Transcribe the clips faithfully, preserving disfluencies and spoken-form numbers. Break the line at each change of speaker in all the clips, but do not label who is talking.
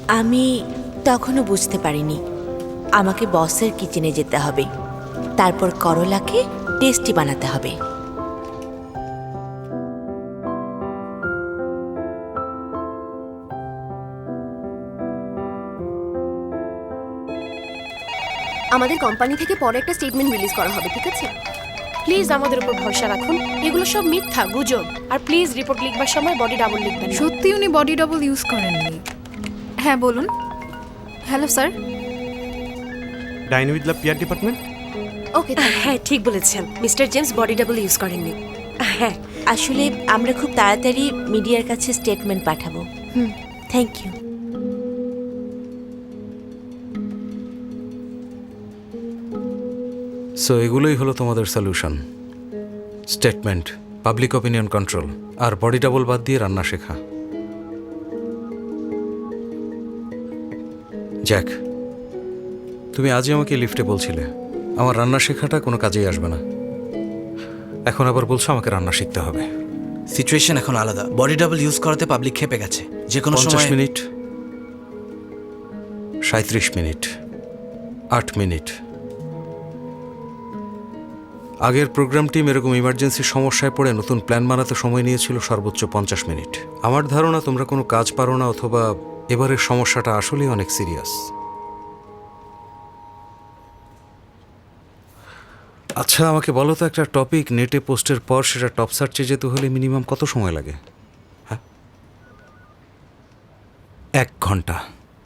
আমি তখনও বুঝতে পারিনি আমাকে বসের কিচেনে যেতে হবে, তারপর করলাকে টেস্টি বানাতে হবে।
আমাদের কোম্পানি থেকে পরে একটা স্টেটমেন্ট রিলিজ করা হবে, ঠিক আছে?
প্লিজ আমাদের উপর ভরসা রাখুন, এগুলো সব মিথ্যা গুজব। আর প্লিজ রিপোর্ট লিখবার সময় বডি ডাবল লিখবেন না।
সত্যি উনি বডি ডাবল ইউজ করেননি। হ্যাঁ বলুন। Hello sir.
Dine with the peer department.
Okay,
হ্যাঁ ঠিক বলেছেন, mister James body double use করেননি।
হ্যাঁ, আসলে আমরা খুব তাড়াতাড়ি মিডিয়ার কাছে স্টেটমেন্ট পাঠাবো। হুম, থ্যাংক ইউ।
সো এগুলোই হলো তোমাদের solution: statement, public opinion control, আর বডি ডাবল বাদ দিয়ে রান্না শেখা। জ্যাক, তুমি আজই আমাকে লিফটে বলছিলে আমার রান্না শেখাটা কোনো কাজেই আসবে না, এখন আবার বলছো আমাকে রান্না শিখতে হবে।
সিচুয়েশন এখন আলাদা। বডি ডাবল ইউজ করাতে পাবলিক খেপে গেছে। যে কোনো
পঞ্চাশ
সময়
মিনিট, সাঁত্রিশ মিনিট, আট মিনিট। আগের প্রোগ্রাম টিম এরকম ইমার্জেন্সি সমস্যায় পড়ে নতুন প্ল্যান বানাতে সময় নিয়েছিল সর্বোচ্চ পঞ্চাশ মিনিট। আমার ধারণা তোমরা কোনো কাজ পারো না, অথবা এবারের সমস্যাটা আসলেই অনেক সিরিয়াস। আচ্ছা আমাকে বলো তো, একটা টপিক নেটে পোস্টের পর সেটা টপ সার্চে যেতে হলে মিনিমাম কত সময় লাগে? হ্যাঁ, এক ঘন্টা।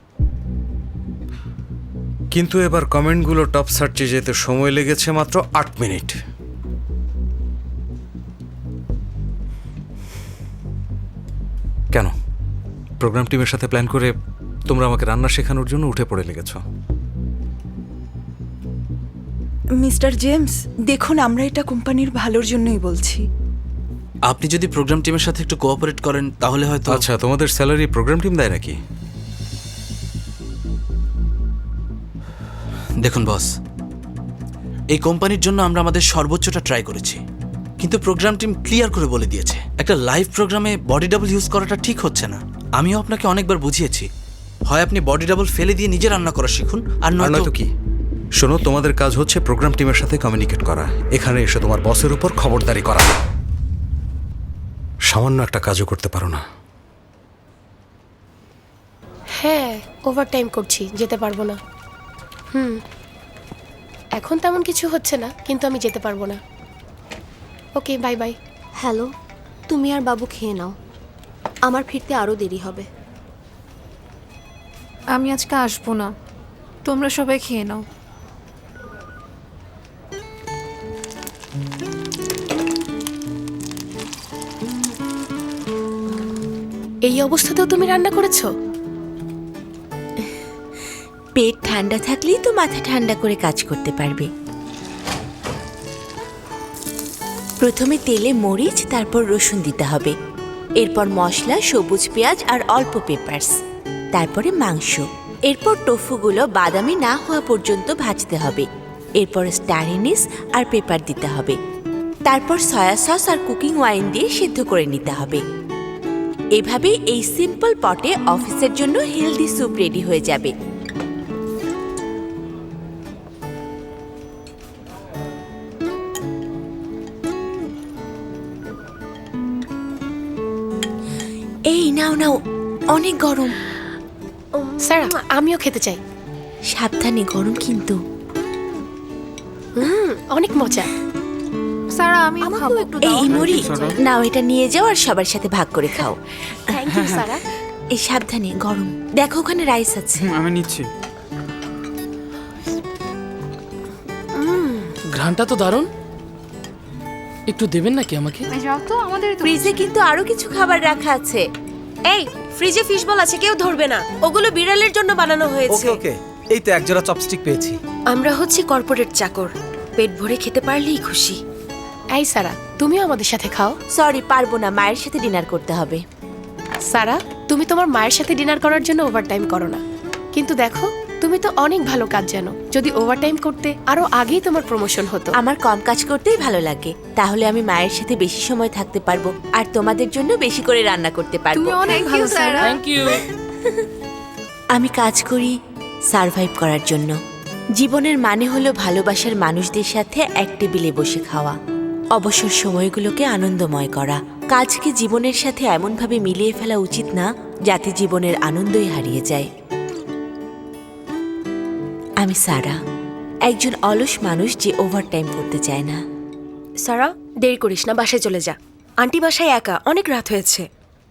কিন্তু এবার কমেন্টগুলো টপ সার্চে যেতে সময় লেগেছে মাত্র আট মিনিট। কেন? প্রোগ্রাম টিমের সাথে প্ল্যান করে তোমরা আমাকে রান্না শেখানোর জন্য উঠে পড়ে লেগেছ।
মিস্টার জেমস, দেখুন আমরা এটা কোম্পানির ভালোর জন্যই বলছি।
আপনি যদি প্রোগ্রাম টিমের সাথে একটু কোঅপারেট করেন তাহলে হয়তো।
আচ্ছা, তোমাদের স্যালারি প্রোগ্রাম টিম দেয় নাকি?
দেখুন বস, এই কোম্পানির জন্য আমরা আমাদের সর্বোচ্চটা ট্রাই করেছি, কিন্তু প্রোগ্রাম টিম ক্লিয়ার করে বলে দিয়েছে একটা লাইভ প্রোগ্রামে বডি ডাবল ইউজ করাটা ঠিক হচ্ছে না। আমিও আপনাকে অনেকবার বুঝিয়েছি, হয় আপনি বডি ডাবল ফেলে দিয়ে নিজে রান্না করা শিখুন, আর নয়তো
কি। শোনো, তোমাদের কাজ হচ্ছে প্রোগ্রাম টিমের সাথে কমিউনিকেট করা, এখানে এসে তোমার বসের উপর খবরদারি করা। সামান্য একটা কাজও করতে পারো না।
হ্যাঁ, ওভারটাইম করছি, যেতে পারবো না। হুম, এখন তেমন কিছু হচ্ছে না, কিন্তু আমি যেতে পারবো না। ওকে, বাই বাই।
হ্যালো, তুমি আর বাবু খেয়ে নাও, আমার ফিরতে আরও দেরি হবে।
আমি আজকে আসবো না, তোমরা সবাই খেয়ে নাও।
এই অবস্থাতেও তুমি রান্না করেছো?
পেট ঠান্ডা থাকলেই তো মাথা ঠান্ডা করে কাজ করতে পারবে। প্রথমে তেলে মরিচ, তারপর রসুন দিতে হবে, এরপর মশলা, সবুজ পেঁয়াজ আর অল্প পেপারস, তারপরে মাংস। এরপর টোফুগুলো বাদামি না হওয়া পর্যন্ত ভাজতে হবে। এরপর স্টার এনিস আর পেপার দিতে হবে, তারপর সয়া সস আর কুকিং ওয়াইন দিয়ে সিদ্ধ করে নিতে হবে। এভাবে এই সিম্পল পটে অফিসের জন্য হেলদি স্যুপ রেডি হয়ে যাবে। এই নাও নাও, অনেক গরম।
স্যার, আমিও খেতে চাই।
সাবধানে, গরম কিন্তু।
হুম, অনেক মজা।
স্যার আমি খাবো।
এই মুড়ি নাও, এটা নিয়ে যাও আর সবার সাথে ভাগ করে খাও।
Thank you Sara.
এই সাবধানে, গরম। দেখো ওখানে রাইস আছে।
আমি নিচ্ছি। ঘ্রাণটা তো দারুণ, একটু দেবেন নাকি আমাকে?
যাও তো, আমাদের
ফ্রিজে কিন্তু আরো কিছু খাবার রাখা আছে।
এই ফ্রিজে ফিশ বল আছে, কেউ ধরবে না, ওগুলো বিড়ালের জন্য বানানো হয়েছে।
ওকে ওকে, এই তো একজোড়া চপস্টিক পেয়েছি।
আমরা হচ্ছে কর্পোরেট চাকর, পেট ভরে খেতে পারলেই খুশি। এই সারা, তুমিও আমাদের সাথে খাও।
সরি, পারবো না, মায়ের সাথে ডিনার করতে হবে।
সারা, তুমি তোমার মায়ের সাথে ডিনার করার জন্য ওভারটাইম করো না, কিন্তু দেখো তুমি তো অনেক ভালো কাজ জানো। যদি ওভারটাইম করতে আরো আগেই তোমার প্রমোশন হতো।
আমার কম কাজ করতেই ভালো লাগে, তাহলে আমি মায়ের সাথে বেশি সময় থাকতে পারবো আর তোমাদের জন্য বেশি করে রান্না করতে পারবো।
তুমি অনেক ভালো স্যার।
Thank you.
আমি কাজ করি সারভাইভ করার জন্য। জীবনের মানে হলো ভালোবাসার মানুষদের সাথে এক টেবিলে বসে খাওয়া, অবসর সময়গুলোকে আনন্দময় করা। কাজকে জীবনের সাথে এমনভাবে মিলিয়ে ফেলা উচিত না যাতে জীবনের আনন্দই হারিয়ে যায়। আমি সারা, একজন অলস মানুষ যে ওভারটাইম করতে চায় না।
সারা, দেরি করিস না, বাসায় চলে যা। আন্টি বাসায় একা, অনেক রাত হয়েছে।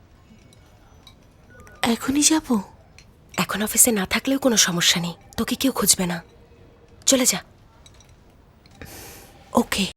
এখনই যাব?
এখন অফিসে না থাকলেও কোনো সমস্যা নেই, তোকে কেউ খুঁজবে না। চলে যা।
ওকে।